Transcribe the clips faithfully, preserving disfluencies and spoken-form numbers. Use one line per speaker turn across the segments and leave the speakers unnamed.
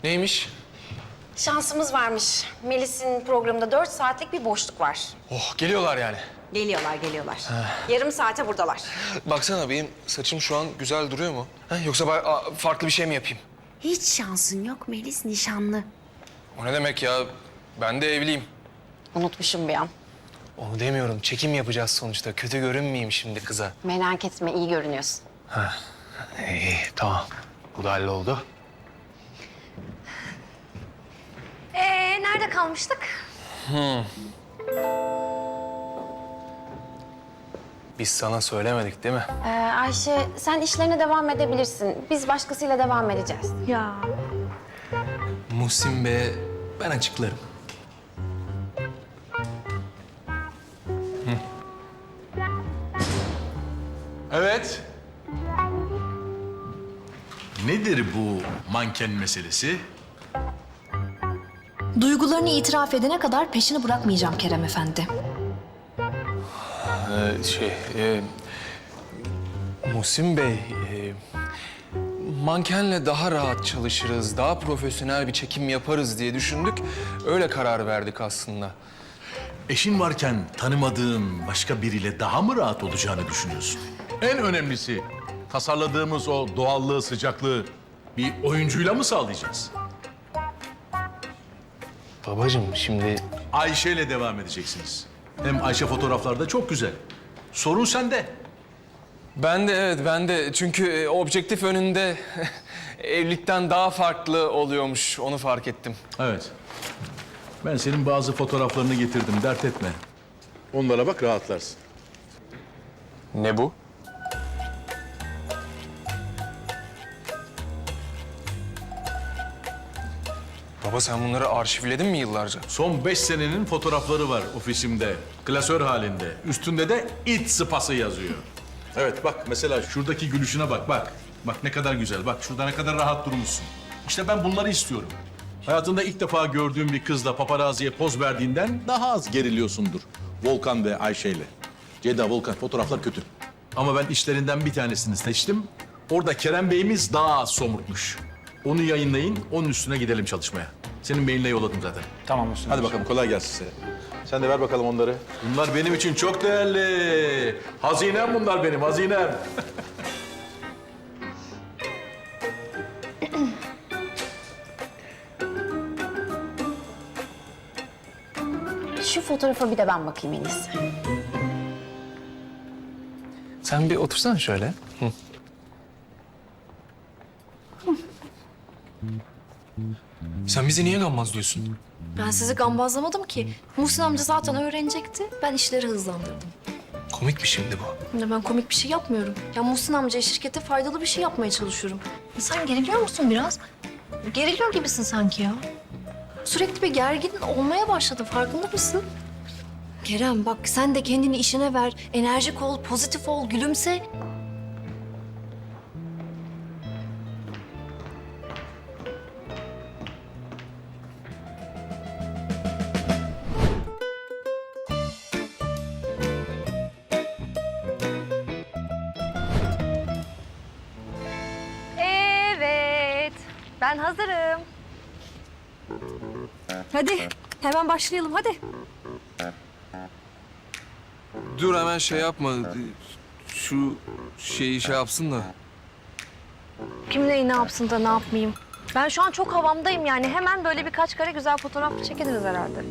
Neymiş?
Şansımız varmış. Melis'in programında dört saatlik bir boşluk var.
Oh, geliyorlar yani.
Geliyorlar, geliyorlar. Yarım saate buradalar.
Baksana benim saçım şu an güzel duruyor mu? Ha, yoksa ba- a- farklı bir şey mi yapayım?
Hiç şansın yok. Melis nişanlı.
O ne demek ya? Ben de evliyim.
Unutmuşum bir an.
Onu demiyorum. Çekim yapacağız sonuçta. Kötü görünmeyeyim şimdi kıza.
Merak etme, iyi görünüyorsun.
İyi, tamam. Bu da halloldu.
Ee, nerede kalmıştık?
Biz sana söylemedik değil mi?
Ee, Ayşe, sen işlerine devam edebilirsin. Biz başkasıyla devam edeceğiz.
Ya
Muhsin Bey'e ben açıklarım.
Evet. Nedir bu manken meselesi?
duygularını itiraf edene kadar peşini bırakmayacağım Kerem Efendi.
Ee, şey, e, Muhsin Bey, e, mankenle daha rahat çalışırız, daha profesyonel bir çekim yaparız diye düşündük. Öyle karar verdik aslında.
Eşin varken tanımadığın başka biriyle daha mı rahat olacağını düşünüyorsun? En önemlisi tasarladığımız o doğallığı, sıcaklığı bir oyuncuyla mı sağlayacağız?
Babacığım şimdi
Ayşe ile devam edeceksiniz. Hem Ayşe fotoğraflarda çok güzel. Sorun sende.
ben de evet ben de çünkü e, objektif önünde evlilikten daha farklı oluyormuş onu fark ettim.
Evet. Ben senin bazı fotoğraflarını getirdim, dert etme. Onlara bak, rahatlarsın.
Ne bu? Baba sen bunları arşivledin mi yıllarca?
Son beş senenin fotoğrafları var ofisimde. Klasör halinde. Üstünde de it sıpası yazıyor. Evet bak mesela şuradaki gülüşüne bak bak. Bak ne kadar güzel. Bak şurada ne kadar rahat durmuşsun. İşte ben bunları istiyorum. Hayatında ilk defa gördüğün bir kızla paparaziye poz verdiğinden daha az geriliyorsundur. Volkan ve Ayşe ile. Ceyda, Volkan fotoğraflar kötü. Ama ben işlerinden bir tanesini seçtim. Orada Kerem Bey'imiz daha az somurtmuş. Onu yayınlayın, onun üstüne gidelim çalışmaya. Senin mailine yolladım zaten.
Tamam Mustafa.
Hadi bakalım, kolay gelsin size. Sen de ver bakalım onları. Bunlar benim için çok değerli. Hazinem bunlar benim, hazinem.
Şu fotoğrafa bir de ben bakayım en iyisi.
Sen bir otursana şöyle. Hı. Sen bizi niye gammazlıyorsun?
Ben sizi gambazlamadım ki. Muhsin amca zaten öğrenecekti. Ben işleri hızlandırdım.
Komik mi şimdi bu?
Ya ben komik bir şey yapmıyorum. Ya Muhsin amcaya şirkete faydalı bir şey yapmaya çalışıyorum. Sen geriliyor musun biraz? Geriliyor gibisin sanki ya. Sürekli bir gergin olmaya başladı. Farkında mısın? Kerem bak sen de kendini işine ver. Enerjik ol, pozitif ol, gülümse.
Evet, ben hazırım. Hadi, hemen başlayalım hadi.
Dur hemen şey yapma. Şu şeyi şey yapsın da.
Kim neyi ne yapsın da ne yapmayayım? Ben şu an çok havamdayım yani. Hemen böyle birkaç kare güzel fotoğraf çekeriz herhalde.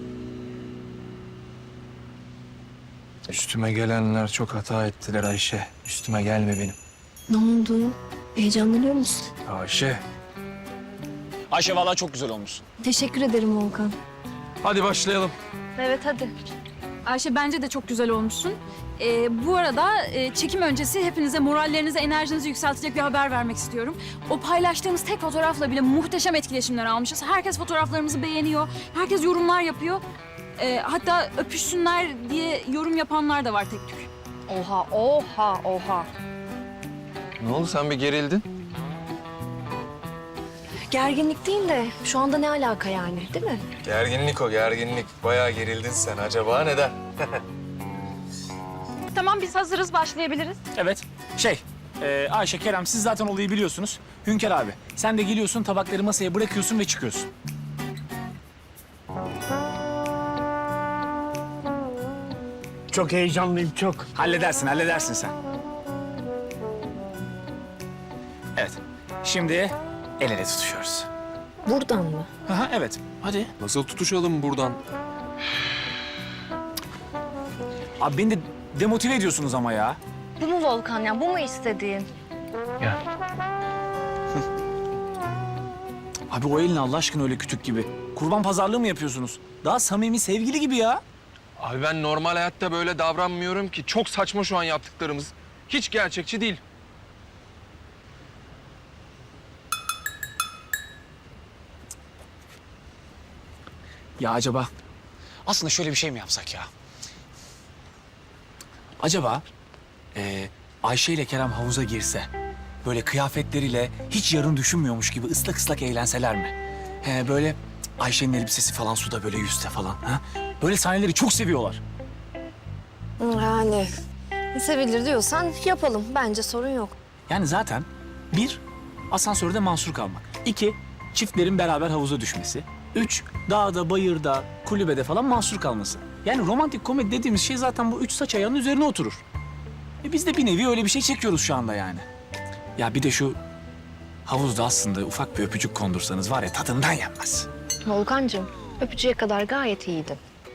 Üstüme gelenler çok hata ettiler Ayşe. Üstüme gelme benim.
Ne oldu? Heyecanlanıyor musun?
Ayşe.
Ayşe vallahi çok güzel olmuş.
Teşekkür ederim Volkan.
Hadi başlayalım.
Evet hadi.
Ayşe bence de çok güzel olmuşsun. Ee, bu arada e, çekim öncesi hepinize morallerinizi, enerjinizi yükseltecek bir haber vermek istiyorum. O paylaştığımız tek fotoğrafla bile muhteşem etkileşimler almışız. Herkes fotoğraflarımızı beğeniyor, herkes yorumlar yapıyor. Ee, hatta öpüşsünler diye yorum yapanlar da var tek tük.
Oha, oha, oha.
Ne oldu sen bir gerildin?
Gerginlik değil de şu anda ne alaka yani, değil mi?
Gerginlik o gerginlik. Bayağı gerildin sen. Acaba neden?
Tamam biz hazırız, başlayabiliriz.
Evet. Şey, e, Ayşe, Kerem siz zaten olayı biliyorsunuz. Hünkar abi, sen de geliyorsun, tabakları masaya bırakıyorsun ve çıkıyorsun.
Çok heyecanlıyım, çok.
Halledersin, halledersin sen. Evet, şimdi el ele tutuşuyoruz.
Buradan mı?
Aha, evet, hadi.
Nasıl tutuşalım buradan?
Abi beni de demotive ediyorsunuz ama ya.
Bu mu Volkan ya? Bu mu istediğin?
Abi o elin Allah aşkına öyle kütük gibi. Kurban pazarlığı mı yapıyorsunuz? Daha samimi sevgili gibi ya.
Abi ben normal hayatta böyle davranmıyorum ki. Çok saçma şu an yaptıklarımız. Hiç gerçekçi değil.
Ya acaba aslında şöyle bir şey mi yapsak ya? Acaba eee, Ayşe ile Kerem havuza girse, böyle kıyafetleriyle hiç yarın düşünmüyormuş gibi ıslak ıslak eğlenseler mi? He, böyle Ayşe'nin elbisesi falan suda böyle yüzse falan. Ha? Böyle sahneleri çok seviyorlar.
Yani sevilir diyorsan yapalım. Bence sorun yok.
Yani zaten bir, asansörde mahsur kalmak. İki, çiftlerin beraber havuza düşmesi. Üç, dağda, bayırda, kulübede falan mahsur kalması. Yani romantik komedi dediğimiz şey zaten bu üç saç ayağının üzerine oturur. E biz de bir nevi öyle bir şey çekiyoruz şu anda yani. Ya bir de şu havuzda aslında ufak bir öpücük kondursanız var ya tadından yenmez.
Volkancığım, öpücüğe kadar gayet iyiydin.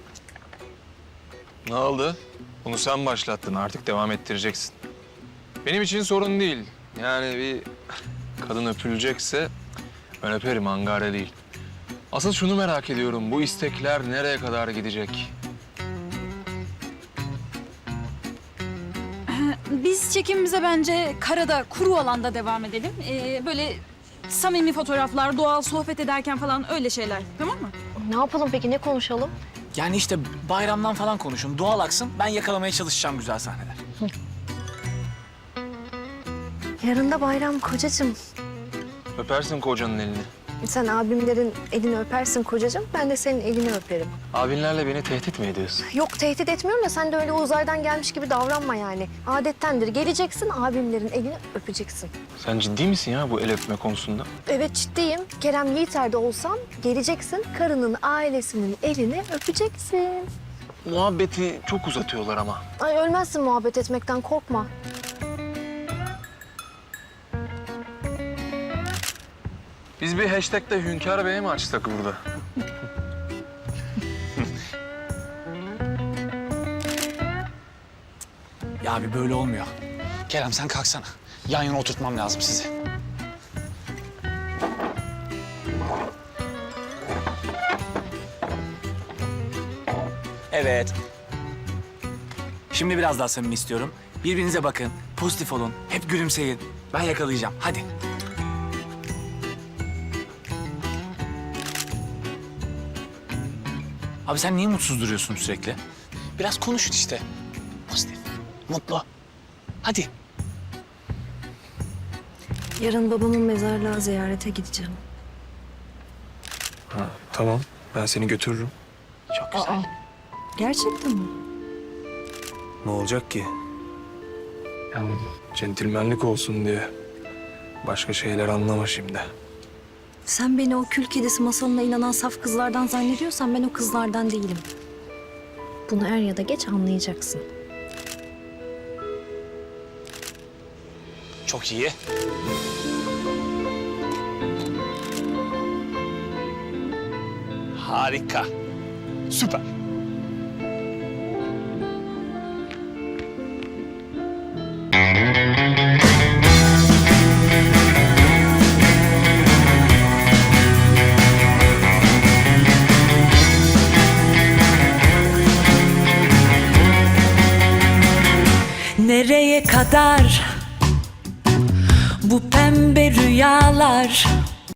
Ne oldu? Bunu sen başlattın. Artık devam ettireceksin. Benim için sorun değil. Yani bir kadın öpülecekse ben öperim, angare değil. Asıl şunu merak ediyorum. Bu istekler nereye kadar gidecek?
Biz çekimimize bence karada, kuru alanda devam edelim. Ee, böyle samimi fotoğraflar, doğal sohbet ederken falan öyle şeyler. Tamam mı?
Ne yapalım peki? Ne konuşalım?
Yani işte bayramdan falan konuşun, doğal aksın. Ben yakalamaya çalışacağım güzel sahneler.
Yarın da bayram kocacığım.
Öpersin kocanın elini.
Sen abimlerin elini öpersin kocacığım. Ben de senin elini öperim.
Abinlerle beni tehdit mi ediyorsun?
Yok tehdit etmiyorum da sen de öyle uzaydan gelmiş gibi davranma yani. Adettendir. Geleceksin abimlerin elini öpeceksin.
Sen ciddi misin ya bu el öpme konusunda?
Evet ciddiyim. Kerem Yiğiter'de olsam geleceksin karının ailesinin elini öpeceksin.
Muhabbeti çok uzatıyorlar ama.
Ay ölmezsin muhabbet etmekten korkma.
Biz bir hashtag'te Hünkar Bey'e mi açsak burada?
Ya abi böyle olmuyor. Kerem sen kalksana. Yan yana oturtmam lazım sizi. Evet. Şimdi biraz daha samimi istiyorum. Birbirinize bakın, pozitif olun, hep gülümseyin. Ben yakalayacağım, hadi. Abi sen niye mutsuz duruyorsun sürekli? Biraz konuşun işte. Pozitif, mutlu. Hadi.
Yarın babamın mezarlığa ziyarete gideceğim.
Ha, tamam. Ben seni götürürüm.
Çok güzel.
Gerçekten mi?
Ne olacak ki? Yani centilmenlik olsun diye. Başka şeyler anlama şimdi.
Sen beni o kül kedisi masalına inanan saf kızlardan zannediyorsan ben o kızlardan değilim. Bunu er ya da geç anlayacaksın.
Çok iyi. Harika. Süper.
Nereye kadar bu pembe rüyalar?